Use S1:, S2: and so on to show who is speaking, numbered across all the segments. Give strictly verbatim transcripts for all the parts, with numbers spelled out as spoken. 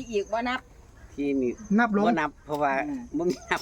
S1: อีกบ่นับ
S2: ที่นี่
S3: นับลง
S2: บ่นับเพราะว่าบ่มีนับ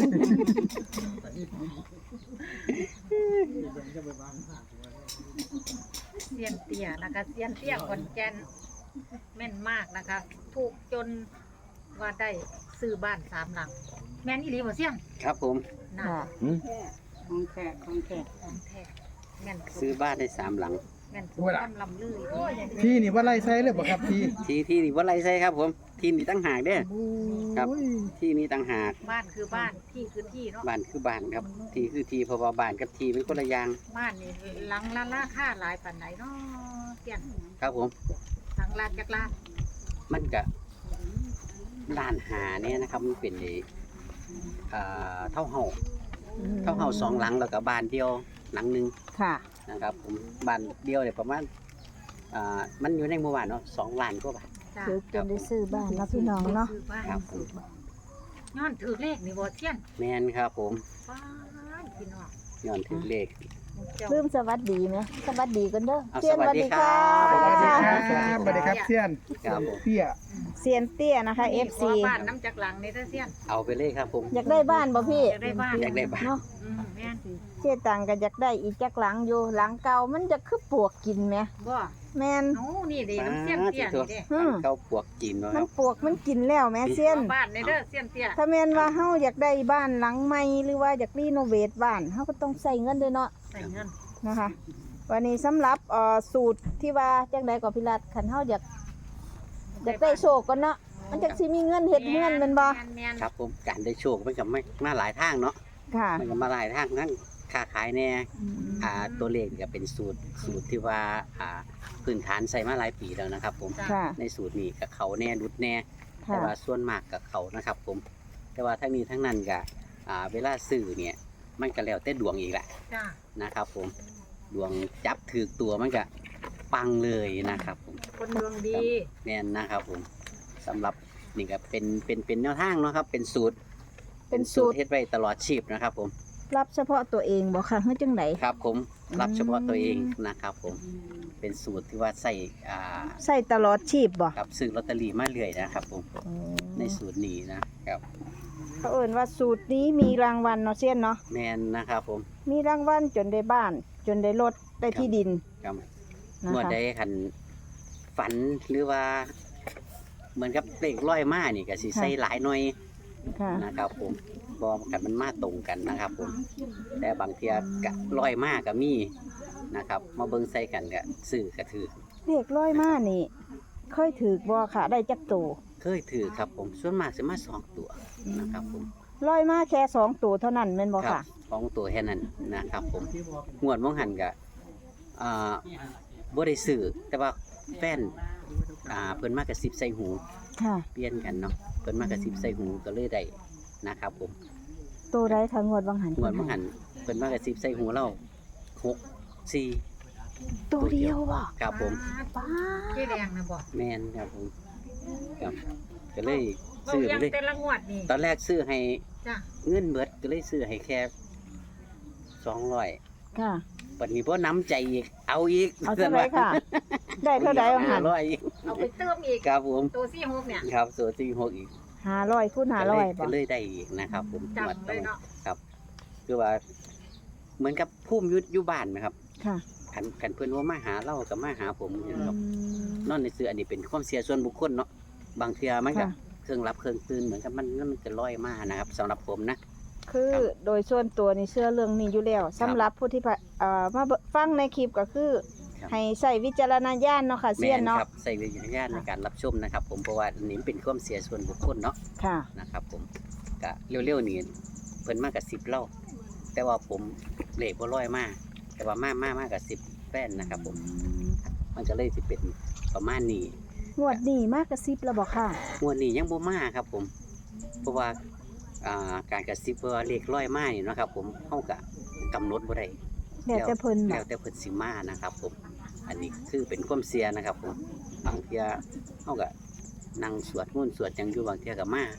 S4: เซียนเตี้ยนะคะเซียนเตี้ยขอนแก่นแม่นมากนะคะถูกจนว่าได้ซื้อบ้านสามหลังแม่นอีหลีบ่เซียน
S2: ครับผม
S4: น่ะ
S1: ของแท้ของแท้
S4: ของแท้แม่น
S2: ซื้อบ้านได้สามหลัง
S4: แม่นถูกคำลำลือโอ้ย
S3: ที่นี่ว่าไล่ไซเลยบ่ครับที่
S2: ที่ที่นี่บ่ไรใช่ครับผมที่นี่ตั้งหากเด้อครับที่นี่ตั้งหาก
S4: บ้านคือบ้านที่คือที่เนาะ
S2: บ้านคือบ้านครับที่คือที่เพราะว่าบ้านกับที่เป็นคนละอย่าง
S4: บ้านนี่หลังละราคาหลายปานไหนเนาะเตี้ยน
S2: ครับผม
S4: หลังลานจักรลาน
S2: มันก็ล้านหาเนี่ยนะครับมันเป็นไอ้อ่าเท่าเฮาเท่าเฮาสองหลังแล้วก็บ้านเดียวหลังหนึง
S1: ค่ะ
S2: นะครับผมบ้านเดียวเนี่ยประมาณอ่ามันอยู่ในหมู่บ้านเนาะสองล้านกว่าบาท
S4: จ้ะ
S1: ถือจนได้ซื้อบ้านเนาะพี่น้องเนาะ
S4: ซื้อบ้าน
S2: ครับผม
S4: ย้อนถือเลขนี่บ่เตี้ยน
S2: แม่นครับผม
S4: ป้านพี่น้อง
S2: ย้อนถึงเลข
S4: เจ้า
S1: ลืมสวัสดีไหมสวัสดีกันเด้อ
S2: เอา
S1: เซียน
S2: สวัสดีครับ
S3: สวัสดีค
S1: ค่ะ
S3: รับสวัสดีครับเซียน
S2: ครับผม
S3: เตี้ย
S1: เซียนเตี้ยนะคะ เอฟ
S4: ข
S1: ซี
S4: อบ้านน้ำจักรหลังนี่เด้อเตี้ยน
S2: เอาไปเลยครับผม
S1: อยากได้บ้านบ่พี่
S4: อยากได้บ้าน
S2: อยากได้บ้าน
S1: เนาะ
S4: อืมแม่นสิ
S1: เจ๊ตังก็อยากได้อีกจักหลังอยู่หลังเก่ามันจะคือปวกกินไหม
S4: บ่
S1: แม่น
S4: โอ้นี่เด้น้ำเสี้ยนเตี้ยนี่เด้
S1: อืม
S2: เข้าปวกจีนเนาะค
S1: มั
S2: รั
S1: น
S2: บ
S1: ปวกมันกินแล้วแม่เซียน
S4: ขอบ้านในเด้อเสี้ยนเตี้ย
S1: ถ้าแม่นว่าเฮาอยากได้บ้านหลังใหม่หรือว่าอยากรีโนเวทบ้านเฮาก็ต้องใส่เงินด้วยเนาะ
S4: ใส่เงิน
S1: นะคะ วันนี้สำหรับเอ่อสูตรที่ว่าจังไดก็พิรัตคันเฮาอยากอยากได้โชคก่อนเนาะมันจักสิมีเงินเฮ็ดเงินแม่นบ่
S4: แม่น
S2: ครับผมการได้โชคมันก็ไม่มาหลายทางเนาะ
S1: ค่ะ
S2: มันก็มาหลายทางทั้งค้าขายแน่อ่าตัวเลขก็เป็นสูตรสูตรที่ว่าอ่าพื้นฐานใส่มาหลายปีแล้วนะครับผม
S4: จ้ะ
S1: ค่ะ
S2: ในสูตรนี้กับเขาแน่รุดแน่
S1: ค่ะ
S2: แต่ว่าส่วนมากกับเขานะครับผม แต่ว่าทั้งนี้ทั้งนั้นก็อ่าเวลาซื้อเนี่ยมันก็แล้วแต่ดวงอีกแหละ
S4: จ้า
S2: นะครับผมดวงจับถือตัวมันก็ปังเลยนะครับผม
S4: คนดวงดี
S2: แน่นนะครับผมสำหรับนี่ก็เป็นเป็นเป็นแนวทางเนาะครับเป็นสูตร
S1: เป็นสูตร
S2: เฮ็ดไว้ตลอดชีพนะครับผม
S1: รับเฉพาะตัวเองบ่ค่ะเฮ็ดจังได
S2: ครับผมรับ
S1: อืม
S2: เฉพาะตัวเองนะครับผมเป็นสูตรที่ว่าใส่อ่า
S1: ใส่ตลอดชีพบ่
S2: กับซื้อลอตเตอรี่มาเรื่อยนะครับผมในสูตรนี้นะครับ
S1: เขาเอิ้นว่าสูตรนี้มีรางวัลเนาะเซียนเนาะ
S2: แมนนะครับผม
S1: มีรางวัลจนได้บ้าน จนได้รถได้ที่ดิน
S2: ครับ
S1: นะ
S2: เมื่อ
S1: คะ
S2: ใดคันฝันหรือว่า เหมือนกับเลขร้อยมานี่ก็สิใส่หลายหน่อย
S1: ค่ะ
S2: นะครับผมบอกันมันมาตรงกันนะครับผมแต่บางเทียกะร้อยมาก็มีนะครับ มาเบิ่งใส่กันก็ซื้อก็ถือ
S1: เลขร้อยมานี่ เคยถือบ่ค่ะได้จักตัว
S2: เคยถือครับผมส่วนมากสิมาสองตัวนะครับผม
S1: ร้อยมาแค่สองตัวเท่านั้นแม่นบ่
S2: ครั
S1: ค่ะ
S2: สองตัวแค่นั้นนะครับผมงวดมองหันก็อ่าบ่ได้ซื้อแต่ว่าแฟนอ่าเพิ่นมากระซิบใส่หู
S1: ค่ะ
S2: เปลี่ยนกันเนาะเพิ่นมากระซิบใส่หูก็เลยได้นะครับผม
S1: ตัวใดคะงวดวังหัน
S2: งวดมองหันเพิ่นมากระซิบใส่หูเราหกสี่
S1: ตัวเดียวบ่
S2: ครับผม
S1: ป้า
S4: เจ๊แดงนะบอก
S2: แม่นครับผมครับก็เลย
S4: เบา
S2: ซื้อ
S4: ยั
S2: ไป
S4: ง
S2: เลย
S4: แต่ละงวดนี่
S2: ตอนแรกซื้อให้
S4: จ้า
S2: เงินเบิดก็เลยซื้อให้แค่สองร้อย
S1: ค่ะ
S2: ปัจนี้บ่น้ำใจอีกเอาอีก
S1: เอาเท่าไหร่ค่ะ ได้เท่าใดวังหั
S2: ห้าน ร้อยอีก
S4: เอาไปเติมอีก
S2: ครับผม
S4: ตัวซี่หกเนี่ย
S2: ครับส่วนที่หกอีก
S1: ห้าร้อยคูณห้าร้อยบ่
S2: ก็เลยได้อีกนะครับผม
S4: จำเลยเนาะ
S2: ครับคือว่า เหมือนกับพุ่มอยุดอยู่บ้านนะครับ
S1: ค่ะ
S2: ขันขันเพื่อนว่ามาหาเรากับมาหาผมเห็นครับ
S1: อืม
S2: นอนในเสืออันนี้เป็นความเสียส่วนบุคคลเนาะบางเทียมันก็
S1: ค่ะ
S2: เครื่องรับเครื่องตื่นเหมือนกับมันมันจะลอยมานะครับสำหรับผมนะ
S1: คือโดยส่วนตัวนี่เชื่อเรื่องนี้อยู่แล้วสำหรับผู้ที่พะเอ่อมาเบิ่งฟังในคลิปก็คือ
S2: ครับ
S1: ให้ใส่วิจารณญาณเนาะค่ะเซียน
S2: แม่
S1: เนาะ
S2: ครับใส่วิญญาณในการรับชมนะครับ ผมเพราะว่าอันนี้เป็นความเสียส่วนบุคคลเนาะ
S1: ค่ะ
S2: นะครับผมก็เร็วๆนี่เพิ่นมากกับสิบเล่าแต่ว่าผมเลขบ่ร้อยมากแต่ว่ามากมากมากกับสิบแป้นนะครับ ผมมันก็เลยสิเป็นประมาณนี้
S1: งวดนี้มากกระซิบแล้วบ่ค่ะ
S2: งวดนี้ยังบ่มาครับ ผม เพราะว่าอ่าการกระซิบว่าเลขร้อยมานี่เนาะครับ ผมเฮาก็กำหนดบ่ได้
S1: แล้วแต่เพิ่น
S2: แล้
S1: บ่
S2: วแต่เพิ่นสิมานะครับ ผม อันนี้คือเป็นความเสียนะครับ ผมบางเที่ยเฮาก็นั่งสวดมนต์สวดหยังอยู่บางเที่ยก็มาก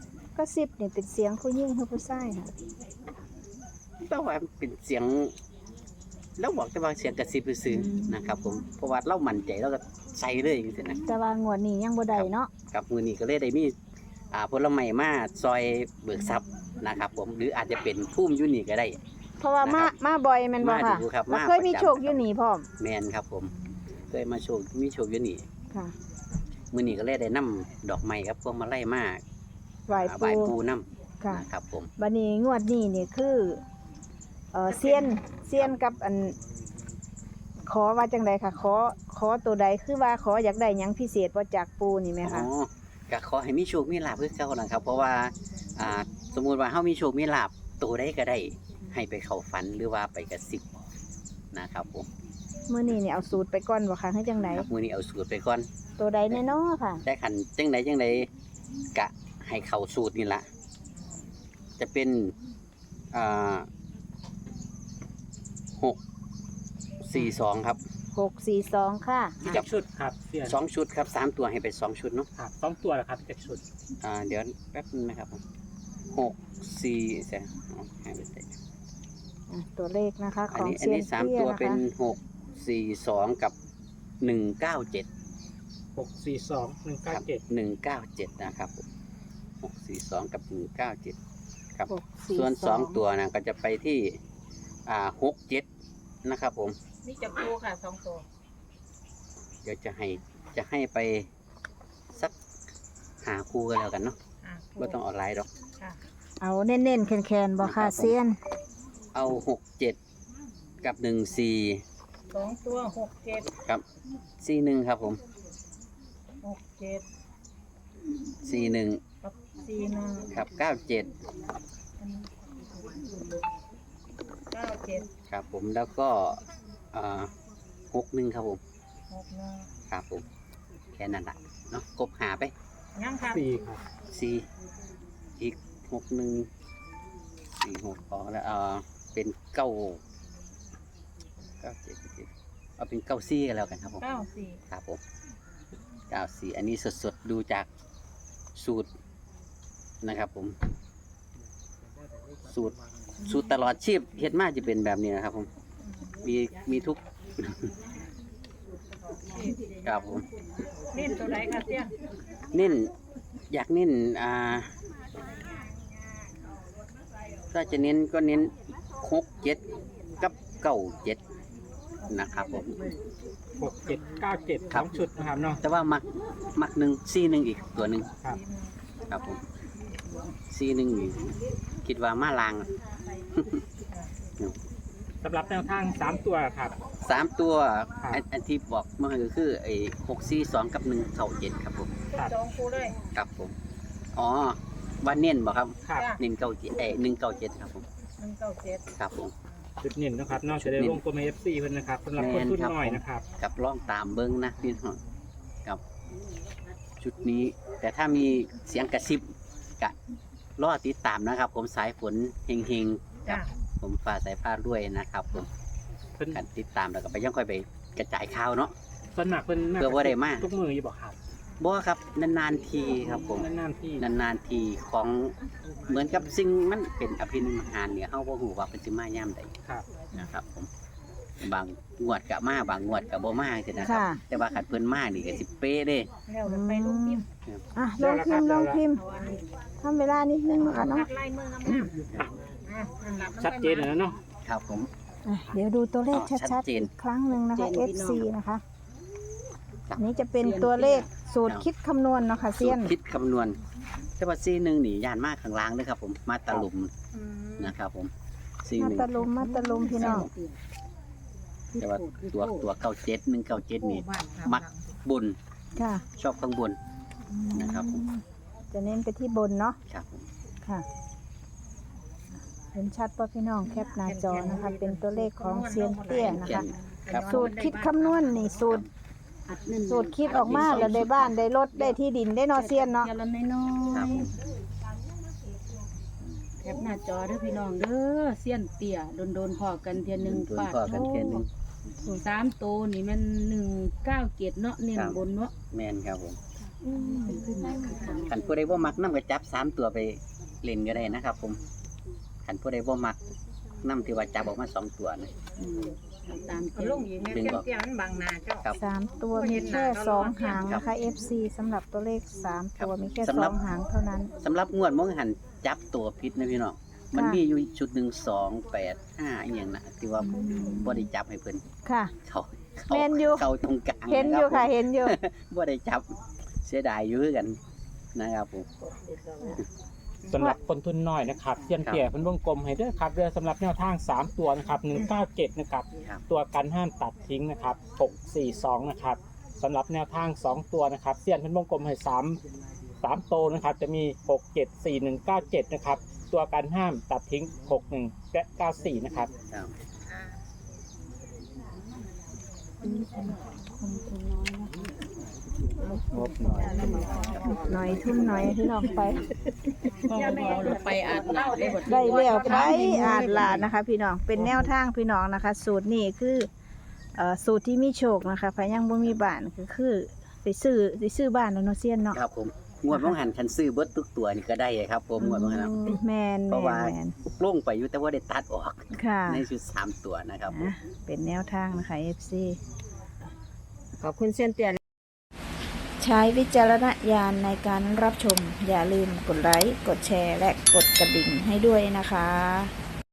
S1: ระซิบนี่เป็นเสียงผู้หญิงหรือผู้ชายค่ะ
S2: แต่ว่าเป็นเสียงเราบอกแต่ว่าเสียงกระซิบซื่อๆนะครับ ผมเพราะว่าเรามั่นใจเราก็ใส่เลยจังซี่นะ
S1: แต่ว่างวดนี้ยังบ่ได้เนาะ
S2: กับมือนี้ก็เลยได้มีอ่าผลไม้มาซอยเบิกทรัพย์นะครับ ผมหรืออาจจะเป็นพุ่มอยู่นี่ก็ได้
S1: เพราะว่ามา
S2: นะครับ
S1: มาบ่อยแม่นบ่
S2: มา
S1: ค่ะ
S2: ดูครับ
S1: แล้ว
S2: มา
S1: เคยมี
S2: ประจำ
S1: โชคอยู่นี่พร้อม
S2: แมนครับผมเคยมาโชคมีโชคอยู่นี่
S1: ค่ะ
S2: มือนี้ก็เลยได้นํดอกไม้ครับพวกมาไล่มา
S1: ไหว้
S2: อ่าใบ
S1: ปู
S2: ปูนํ
S1: ค่ะ
S2: นะครับผม
S1: บัดนี้งวดนี้นี่คือเอ่อเซียนเซียนกับอัน ขอว่าจังไดค่ะ ขอขอตัวใดคือว่าขออยากได้หยังพิเศษบ่จากปูนี่ไหม
S2: อ๋
S1: คะ
S2: อก็ขอให้มีโชคมีลาภคือเก่านะครับ เพราะว่าอ่าสมมุติว่าเฮามีโชคมีลาภตัวใดก็ได้ให้ไปเข้าฝันหรือว่าไปกระซิบนะครับผม
S1: มื้อนี้นี่เอาสูตรไปก่อนบ่คะคือจังได
S2: ครับมือนี้เอาสูตรไปก่อน
S1: ตัวใดแน่นอค่ะ
S2: ได้ขันจังใดจังใดกะให้เข้าสูตรนี่ละจะเป็นอ่าหกสี่สองครับ
S1: หกสี่สองค่ะ
S5: พี่จักรชุดครับเสียน
S2: สองชุดครับสามตัวให้ไปสองชุดเนาะ
S5: ครับสองตัวเหรอครับพี่จักรชุด
S2: อ่าเดี๋ยวแป๊บนึงนะครับผมหกสี่เสียเอาให้ไปใส่
S1: อ่ะตัวเลขนะคะ
S2: อั
S1: ข
S2: น
S1: อง
S2: นี้อัน
S1: เซียน
S2: นี้สาม
S1: เตี้ย
S2: ตัว
S1: นะ
S2: เป็น
S1: คะ
S2: หกสี่สองกับหนึ่งเก้าเจ็ด
S5: หกสี่สองหนึ่ง
S2: ครั
S5: เก้าเจ็ด
S2: หนึ่งเก้าเจ็ดนะครับผมหกสี่สองกับหนึ่งเก้าเจ็ดครับ
S1: หกสี่
S2: ส่วนสอง
S1: อง
S2: ตัวนะก็จะไปที่อ่าหกเจ็ดนะครับผม
S4: นี่จะปูค่ะสองตัว
S2: เดี๋ยวจะให้จะให้ไปสักหาคู่กันแล้วกันเนาะ
S4: อ่ะ
S2: ไม่ต้องออนไลน์หรอก
S4: ค่ะ
S1: เอาเน้นๆแคนๆบ่
S2: ครั
S1: ค่ะ
S2: บผม
S1: เซียน
S2: เอาหกเจ็ดกับหนึ่งสี่
S4: สองตัวหกเจ็ด
S2: กับสี่หนึ่งครับผม
S4: หกเจ็ด
S2: สี่หนึ่ง
S4: กับสี่หนึ่ง
S2: ครับเก้าเจ็ด
S4: เก้าเจ็ด
S2: ครับผมแล้วก็อ่าหกหนึ่งครับผม
S4: หกหนึ่ง
S2: ครับผมแค่นั้นแหละเนาะกบหาไป
S4: ยังค่ะ
S5: สี่ครับ
S2: สี่อีกหกหนึ่งสี่หกพอแล้วเอ่าเป็นเก้าเก้าเจ็ดเจ็ดเอาเป็นเก้าซี่กันแล้วกันครับผม
S4: เก้าสี่
S2: ครับผมเก้าสี่อันนี้สดๆดูจากสูตรนะครับผม สูตรสูตรตลอดชีพเฮ็ดมาจะเป็นแบบนี้นะครับผมมีมีทุก ครับผม
S4: เล่นตัวไหนค่ะเตี้ย
S2: เน้นอยากเน้นอ่าถ้าจะเน้นก็เน้นหกเจ็ดกับเก้าเจ็ดนะครับผม
S5: หกเจ็ดเก้าเจ็ด
S2: ครั
S5: ส
S2: บ
S5: องชุดนะครับเนาะ
S2: แต่ว่ามักมักหนึ่งซี่หนึ่งอีกตัวหนึ่ง
S5: ครับ
S2: ครับผมซี่หนึ่งนี่คิดว่ามาลาง
S5: สำหรับแนวทางสามตัวครับ
S2: สามตัว
S5: ครับ
S2: อันอันที่บอกเมื่อกี้ก็คือไอ้หกซี่สองกับหนึ่งเก้าเจ็ดครับผม
S5: ครับ
S4: สองคู่เลย
S2: ครับผมอ๋อว่าเน้นบอกครับ
S5: ครับ
S2: เน้นเก้าเจ็ดเอ้หนึ่งเก้าเจ็ดครับผม
S4: หนึ่งเก้าเจ็ด
S2: ครับผม
S5: ชุดเน้นนะครับเนอกจากได้
S2: ชุดเน้น
S5: วงกลมเอฟซีเพิ่นนะครับสำหรับคน
S2: แม่น
S5: ทุน
S2: ครับ
S5: น้อย
S2: ผม
S5: นะครับ
S2: กับล่องตามเบิ้งนะพี่น้องกับชุดนี้ แต่ถ้ามีเสียงกระซิบกะรอติดตามนะครับ ผมสายฝนเฮงๆกั
S4: จ้ะ
S2: บผมฟ้าสายฟ้าด้วยนะครับผม
S5: เพิ่น
S2: กันติดตามแล้วก็ไปยังค่อยไปกระจายข่าวเนาะ
S5: สวนมัครเพิ่นน่า
S2: เพื่อว่าได้มา
S5: ทุกมืออยู่บ่ครับ
S2: บ่ครับนานๆทีครับผม
S5: นานๆที่
S2: นานๆทีของเหมือนกับสิ่งมันเป็นอภินิหารเนี่ยเฮาบ่ฮู้ว่าเป็นสิมายามใด
S5: ครับ
S2: นะครับผมบางงวดก็มาบางงวดก็บ่มาจังซี่นะครับ
S1: ค่ะ
S2: แต่ว่าคันเพิ่นมานี่ก็สิเป๊ะเด้
S4: แล้วเราไปลงพิมพ์
S1: อ่ะลงพิมพ์ลงพิมพ์
S4: เอาอันนี้
S1: ทำเวลานิดนึงนะคะเนาะ
S4: พัดไล่มืองามๆอ่ะนั่นล่ะมัน
S5: ชัดเจนแล้วเนาะ
S2: ครับผม
S1: อ่ะเดี๋ยวดูตัวเลข
S2: อ๋อชั
S1: ชั
S2: ด
S1: ด
S2: เจ
S1: ๆ
S2: น
S1: อีกครั้งหนึ่งนะคะ
S2: เจน
S1: เอ
S2: พี่
S1: ฟ
S2: น้อง
S1: ซี นะคะอันนี้จะเป็นตัวเลขสูตรคิดคำนวณเนาะค่ะ
S2: สู
S1: เซีย
S2: ต
S1: น
S2: รคิดคำนวณแต่ว่าซีหนึงนี่ย่านมากข้างล่างเด้อครับผมมาตะลุม
S4: อืม
S2: นะครับผมซี
S1: มา
S2: หนึง
S1: ตะลุมมาตะลุมพี่น้อง
S2: แต่ว่าตัวตัวเก้าเจ็ดหนึ่งเก้าเจ็ดนี่
S4: บ้านสา
S2: มัก
S4: หลัง
S2: บน
S1: ค่ะ
S2: ชอบข้างบน นะครับผม
S1: จะเน้นไปที่บนเนาะ
S2: ครับผม
S1: ค่ะ เห็นชัดป่ะพี่น้องแคปหน้าจอนะคะ เป็นตัวเลขของเซียนเตี้ยนะ
S2: แก่
S1: คะ
S2: นครับ
S1: สูตรคิดคำนวณนี่สูตร สูตรคิดออกมาแล้วได้บ้านได้รถได้ที่ดินได้เนอเซียนเนาะ
S6: เทียละน้อ
S2: ครับ
S6: ย
S2: ผม
S6: ๆแคปหน้าจอเด้อพี่น้องเด้อเสี้ยนเตี่ยโดนโดนๆพอกันเทียหนึ่ง
S2: ตัว
S6: ปาด
S2: พ่อกันแค่นึง
S6: สามโตวนี่มันหนึ่งเก้าเกตเนาะเน้น
S2: ครับ
S6: บนเนาะ
S2: แมนครับผม
S6: อืมเป็นขึ้นมาคือกัน
S2: ขันผู้ใดบ่มักน้ำก็จับสามตัวไปเล่นก็ได้นะครับผมขันผู้ใดบ่มักน้ำที่ว่าจับออกมาสองตัวนะ
S6: อืมตาม
S4: เอา
S6: เจ้า
S4: ลงอีกแม่เสี้ยนเตี้ยมันบังหน้าเจ้า
S2: ครับ
S1: สามตัวมีแค่สองหางนะคะ เอฟ ซี สำหรับตัวเลขสามตัวมีแค่
S2: สำ
S1: ส
S2: หรั
S1: อบ งหางเท่านั้น
S2: สำหรับงวดมองหันจับตัวพิษนะพี่น้องมันมีอยู่ชุดหนึ่งสองแปดห้าอหย่างนะที่ว่าผมบ่ได้จับให้เพิ่น
S1: ค่ะ
S2: เขาเขา
S1: แม่นอยู่
S2: เขาตรงกลาง
S1: เห็นอยู่ค่ะ
S2: รับผม
S1: เห็นอยู่
S2: บ่ได้จับเสียดายอยู่คือกันนะครับผม
S5: สำหรับคนทุนน้อยนะครับเซียนเตี่ยเพิ่นวงกลมให้เด้อครับเรือสำหรับแนวทางสามตัวนะครับหนึ่งเก้าเจ็ดนะครับ
S2: ครับ
S5: ตัวกันห้ามตัดทิ้งนะครับหกสี่สองนะครับสำหรับแนวทางสองตัวนะครับเซียนเพิ่นวงกลมให้สามสามโตวนะครับจะมีหกเจ็ดสี่หนึ่งเก้าเจ็ดนะครับตัวกันห้ามตัดทิ้งหกหนึ่งและเก้าสี่นะครับ
S2: ครับ
S5: งบหน่อย
S1: หน่อยทุ่มหน่อยที่น้องไป
S6: ไปอาบน้ำได้บ่
S1: ได้แล้วไปอาจลาดนะคะ พี่น้องเป็นแนวทางพี่น้องนะคะ สูตรนี้คือเอ่อสูตรที่มีโชคนะคะพยังบ่มีบ้านก็คือไปซื้อไปซื้อบ้านแล้วเนาะเซียนเนาะ
S2: ครับผมงวดมองหันคันซื้อเบิดทุกตัวนี่ก็ได้ครับผมงวดมองหันนะ
S1: แมน
S2: เพ
S1: แม
S2: ราะ
S1: น
S2: ว่า
S1: แมน
S2: ลงไปอยู่แต่ว่าได้ตัดออก
S1: ค่ะ
S2: ในชุดสามตัวนะครับผม
S1: อ่ะเป็นแนวทางนะคะ เอฟ ซี
S7: ขอบคุณเส้นเตียน
S1: ใช้วิจารณญาณในการรับชม อย่าลืมกดไลค์ กดแชร์ และกดกระดิ่งให้ด้วยนะคะ